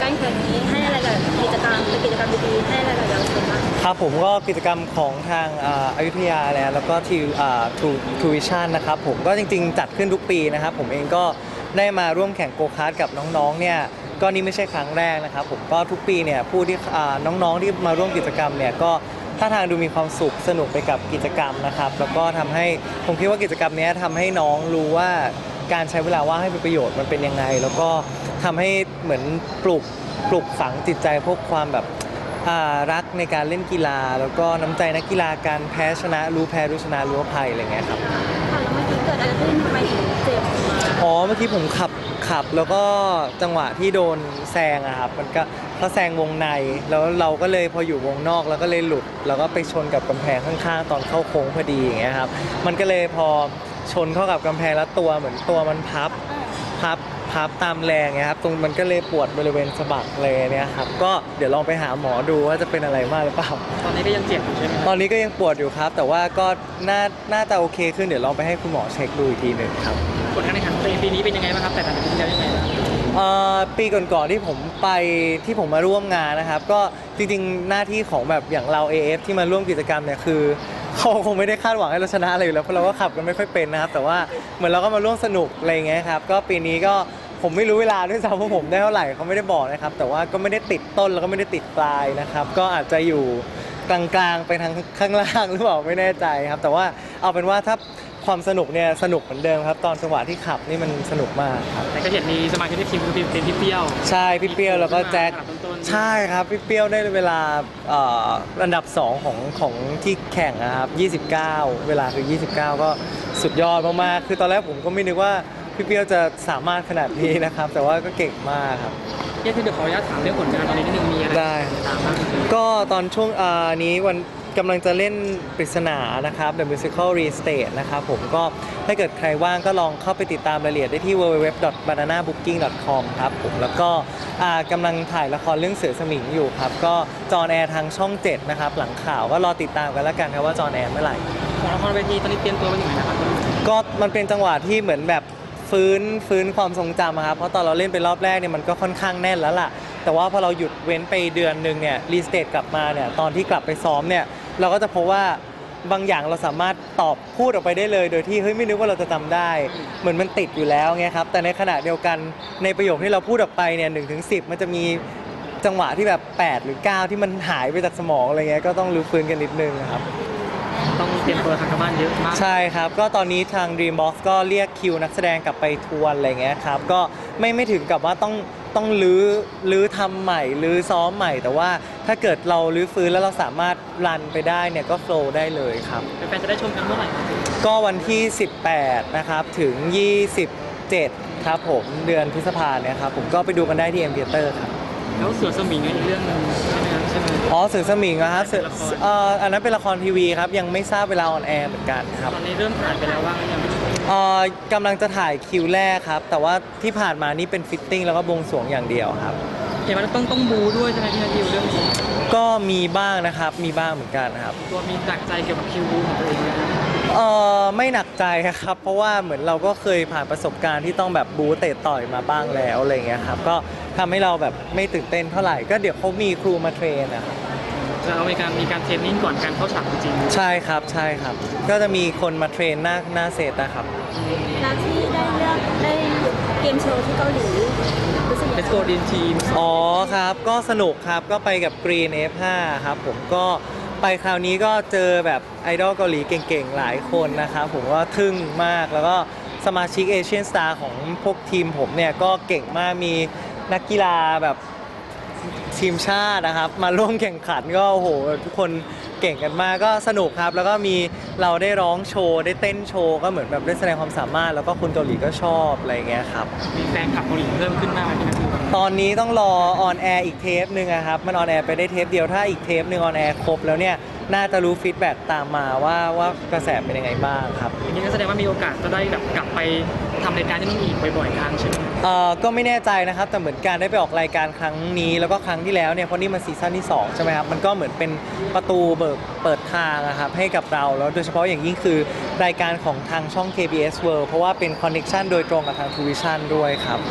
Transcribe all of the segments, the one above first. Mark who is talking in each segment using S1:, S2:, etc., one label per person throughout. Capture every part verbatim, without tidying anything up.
S1: การแข่งนี้ให้อะไรกับกิจกรรมเป็นกิจกรรมดีๆให้อะไรกับเยาวชนบ้าง
S2: ครับผมก็กิจกรรมของทางอยุธยาแล้วก็ที่ทูทูวิชั่นนะครับผมก็จริงๆจัดขึ้นทุกปีนะครับผมเองก็ได้มาร่วมแข่งโกคาร์ทกับน้องๆเนี่ยก็นี่ไม่ใช่ครั้งแรกนะครับผมก็ทุกปีเนี่ยผู้ที่น้องๆที่มาร่วมกิจกรรมเนี่ยก็ท่าทางดูมีความสุขสนุกไปกับกิจกรรมนะครับแล้วก็ทำให้ผมคิดว่ากิจกรรมนี้ทำให้น้องรู้ว่าการใช้เวลาว่างให้เป็นประโยชน์มันเป็นยังไงแล้วก็ทำให้เหมือนปลุกปลุกฝังจิตใจพวกความแบบรักในการเล่นกีฬาแล้วก็น้ำใจนักกีฬาการแพ้ชนะรู้แพ้รู้ชนะรู้อภัยอะไรเงี้ยครับ
S1: ค่ะแล้วเมื่อกี้เกิดอะไรขึ้นทำไมถึงเจ็บมา
S2: อ๋อเมื่อกี้ผมขับขับแล้วก็จังหวะที่โดนแซงอะครับมันก็เขาแซงวงในแล้วเราก็เลยพออยู่วงนอกแล้วก็เลยหลุดแล้วก็ไปชนกับกำแพงข้างๆตอนเข้าโค้งพอดีอย่างเงี้ยครับมันก็เลยพอชนเข้ากับกำแพงแล้วตัวเหมือนตัวมันพับพับพับตามแรงเงี้ยครับตรงมันก็เลยปวดบริเวณสะบักเลยเนี่ยครับก็เดี๋ยวลองไปหาหมอดูว่าจะเป็นอะไรมากหรือเปล่า
S3: ตอนนี้ก็ยังเจ็บอยู่ใช่ไหม
S2: ตอนนี้ก็ยังปวดอยู่ครับแต่ว่าก็น่าน่าจะโอเคขึ้นเดี๋ยวลองไปให้คุณหมอเช็คดูอีกทีหนึ่งครับ
S3: ผลการแข่งขันปีนี้เป็นยังไงบ้างครับแต่ละปีที่แล้วยังไงบ้าง
S2: ปีก่อนๆที่ผมไปที่ผมมาร่วมงานนะครับก็จริงๆหน้าที่ของแบบอย่างเรา เอ เอฟ ที่มาร่วมกิจกรรมเนี่ยคือเขาคงไม่ได้คาดหวังให้เราชนะอะไรอยู่แล้วเพราะเราก็ขับกันไม่ค่อยเป็นนะครับแต่ว่าเหมือนเราก็มาร่วมสนุกอะไรเงี้ยครับก็ปีนี้ก็ผมไม่รู้เวลาด้วยซ้ำว่าผมได้เท่าไหร่เขาไม่ได้บอกนะครับแต่ว่าก็ไม่ได้ติดต้นแล้วก็ไม่ได้ติดปลายนะครับก็อาจจะอยู่กลางๆไปทางข้างล่างหรือเปล่าไม่แน่ใจครับแต่ว่าเอาเป็นว่าถ้าความสนุกเนี่ยสนุกเหมือนเดิมครับตอนจังหวะที่ขับนี่มันสนุกมากครับ
S3: แต่ก็เห็นมีสมาชิกในทีมคือเป็นพี่เปรี้ยว
S2: ใช่พี่เปรี้ยวแล้วก็แจ็คใช่ครับพี่เปรี้ยวได้เวลาอันดับสองของของที่แข่งนะครับยี่สิบเก้าเวลาคือยี่สิบเก้าก็สุดยอดมากๆคือตอนแรกผมก็ไม่นึกว่าพี่เปรี้ยวจะสามารถขนาดนี้นะครับแต่ว่าก็เก่งมากครับ
S3: เดี๋ยวขออนุญาตถามเรื่องผลงานตอนนี้นิดนึงมีอะไร
S2: ได้ก็ตอนช่วงนี้วันกำลังจะเล่นปริศนานะครับ The Musical Restage นะครับผมก็ถ้าเกิดใครว่างก็ลองเข้าไปติดตามรายละเอียดได้ที่ ดับเบิลยู ดับเบิลยู ดับเบิลยู ดอท บานาน่าบุ๊กกิ้ง ดอท คอม ครับผมแล้วก็กำลังถ่ายละครเรื่องเสือสมิงอยู่ครับก็จออนแอร์ทางช่องเจ็ดนะครับหลังข่าวก็รอติดตามกันแล้วกันครับว่าจออนแอร์เมื่อไหร่
S3: ของละครเวทีตอนนี้เตรียมตัวไปถึงไหนนะครับ
S2: ก็มันเป็นจังหวะที่เหมือนแบบฟื้นฟื้นความทรงจำครับเพราะตอนเราเล่นไปรอบแรกเนี่ยมันก็ค่อนข้างแน่นแล้วล่ะแต่ว่าพอเราหยุดเว้นไปเดือนนึงเนี่ยรีสเตทกลับมาเนี่ยตอนที่กลับไปซ้อมเนี่ยเราก็จะพบว่าบางอย่างเราสามารถตอบพูดออกไปได้เลยโดยที่เฮ้ยไม่นึกว่าเราจะจำได้เหมือนมันติดอยู่แล้วไงครับแต่ในขณะเดียวกันในประโยคที่เราพูดออกไปเนี่ยหนึ่งถึงสิบมันจะมีจังหวะที่แบบแปดหรือเก้าที่มันหายไปจากสมองอะไรเงี้ยก็ต้องรื้อฟื้นกันนิดนึงครับ
S3: ต้องเตรียมตัวทางการบ้านเยอะมาก
S2: ใช่ครับก็ตอนนี้ทาง Dreambox ก็เรียกคิวนักแสดงกลับไปทวนอะไรเงี้ยครับก็ไม่ไม่ถึงกับว่าต้องต้องลื้อลื้อทำใหม่ลื้อซ้อมใหม่แต่ว่าถ้าเกิดเราลื้อฟื้นแล้วเราสามารถรันไปได้เนี่ยก็โฟลว์ได้เลยครับ
S3: แฟนๆจะได้ชมกันเมื่อไหร่
S2: ก็วันที่สิบแปดนะครับถึงยี่สิบเจ็ดครับผมเดือนพฤษภาเนี่ยครับผมก็ไปดูกันได้ที่ M Theater ครับ
S3: แล้วเสือสมิงอีกเรื่องนึงใช่ไหมครับใช่ไหม
S2: อ๋อเสือสมิงนะครับเสือเอ่ออันนั้นเป็นละครทีวีครับยังไม่ทราบเวลาออนแอร์เหมือนกันครับ
S3: ตอนนี้เริ่มถ่ายไปแล้วว่ายัง
S2: เอ่อกำลังจะถ่ายคิวแรกครับแต่ว่าที่ผ่านมานี่เป็นฟิตติ้งแล้วก็บวงสรวงอย่างเดียวครับ
S3: เห็นว่าต้องต้องบูด้วยใช่ไหมพี่นาทีเรื่องนี้
S2: ก็มีบ้างนะครับมีบ้างเหมือนกันครับ
S3: ตัวมีหนักใจเกี่ยวกับคิวบูของตัวเองไหม
S2: เออไม่หนักใจครับเพราะว่าเหมือนเราก็เคยผ่านประสบการณ์ที่ต้องแบบบูเตะต่อยมาบ้างแล้วอะไรเงี้ยครับก็ทำให้เราแบบไม่ตื่นเต้นเท่าไหร่ก็เดี๋ยวเขามีครูมาเทรนนะครับ
S3: จะเอามีการมีการเทรนนิ่งก่อนการเข้าฉากจริง
S2: ใช่ครับใช่ครับก็จะมีคนมาเทรนหน้าหน้าเซตนะครับ
S1: แล้วที่ได้เลือกได้เกมโชว์ที่เกาหลีรู้สึกยังไง
S3: Let's Go Dream Team
S2: อ๋อครับก็สนุกครับก็ไปกับ Green เอฟ ห้า ครับผมก็ไปคราวนี้ก็เจอแบบไอดอลเกาหลีเก่งๆหลายคนนะครับผมว่าทึ่งมากแล้วก็สมาชิกเอเชียนสตาร์ของพวกทีมผมเนี่ยก็เก่งมากมีนักกีฬาแบบทีมชาตินะครับมาร่วมแข่งขันก็โอ้โหทุกคนเก่งกันมากก็สนุกครับแล้วก็มีเราได้ร้องโชว์ได้เต้นโชว์ก็เหมือนแบบได้แสดงความสามารถแล้วก็คนเกาหลีก็ชอบอะไรเงี้ยครับ
S3: มีแฟนคลับเกาหลีเพิ่มขึ้นมากไหมครับ
S2: ตอนนี้ต้องรอออนแอร์อีกเทปหนึ่งครับมันออนแอร์ไปได้เทปเดียวถ้าอีกเทปหนึ่งออนแอร์ครบแล้วเนี่ยน่าจะรู้ฟีดแบ็กตามมาว่าว่ากระแสเป็นยังไงบ้างครับ
S3: อย่างนี้ก็แสดงว่ามีโอกาสจะได้แบบกลับไปทำรายการที่นู่นอีกบ่อยๆครั้งใช่ไหม
S2: เอ่อก็ไม่แน่ใจนะครับแต่เหมือนการได้ไปออกรายการครั้งนี้แล้วก็ครั้งที่แล้วเนี่ยเพราะนี่มันซีซั่นที่สองใช่ไหมครับมันก็เหมือนเป็นประตูเบิกเปิดทางนะครับให้กับเราแล้วโดยเฉพาะอย่างยิ่งคือรายการของทางช่อง เค บี เอส World เพราะว่าเป็นคอนเนคชั่นโดยตรงกับทาง ทู วิชั่น ด้วยครับ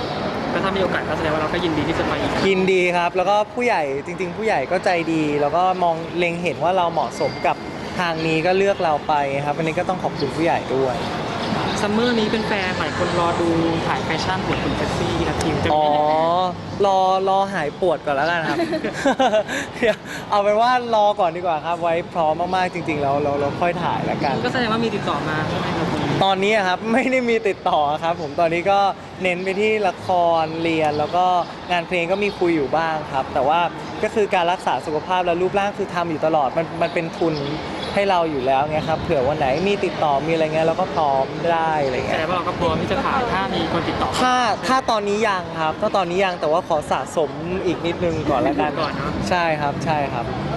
S3: ก็ถ้ามีโอกาสก็แสดงว่าเราก็ยินดีที่จะไปอีก
S2: ยินดีครับ แล้วก็ผู้ใหญ่จริง ๆ ผู้ใหญ่ก็ใจดี แล้วก็มองเล็งเห็นว่าเราเหมาะสมกับทางนี้ก็เลือกเราไปครับวันนี้ก็ต้องขอบคุณผู้ใหญ่ด้วย
S3: ซัมเมอร์นี้เป็นแฟนหลายคนรอดูถ่ายแฟชั่นของคุณเฟซซี่นะทีมจะ
S2: อ๋
S3: มี
S2: อ รอรอหายปวดก่อนแล้วกันครับ เดี๋ยวเอาเป็นว่ารอก่อนดีกว่าครับ ไว้พร้อมมากๆจริง ๆ แล้วเราเราค่อยถ่ายแล้วกัน
S3: ก็แสดงว่ามีติดต่อมาใช่ไหมครับ
S2: ตอนนี้อะครับไม่ได้มีติดต่อครับ ผมตอนนี้ก็เน้นไปที่ละครเรียน แล้วก็งานเพลงก็มีคุยอยู่บ้างครับ แต่ว่าก็คือการรักษาสุขภาพและรูปร่างคือทำอยู่ตลอดมันมันเป็นทุนให้เราอยู่แล้วไงครับเผื่อวันไหนมีติดต่อมีอะไรเงี้ยเราก็พร้อมได้อะไร
S3: แส
S2: เงี้
S3: ด
S2: ย
S3: งว่าเราก็พร้อมที่จะถ่ายถ้ามีคนติดต่อ
S2: ถ้าถ้าตอนนี้ยังครับถ้าตอนนี้ยังแต่ว่าขอสะสมอีกนิดนึงก่อนแล้วกัน
S3: ก่อนเนาะ
S2: ใช่ครับใช่ครับ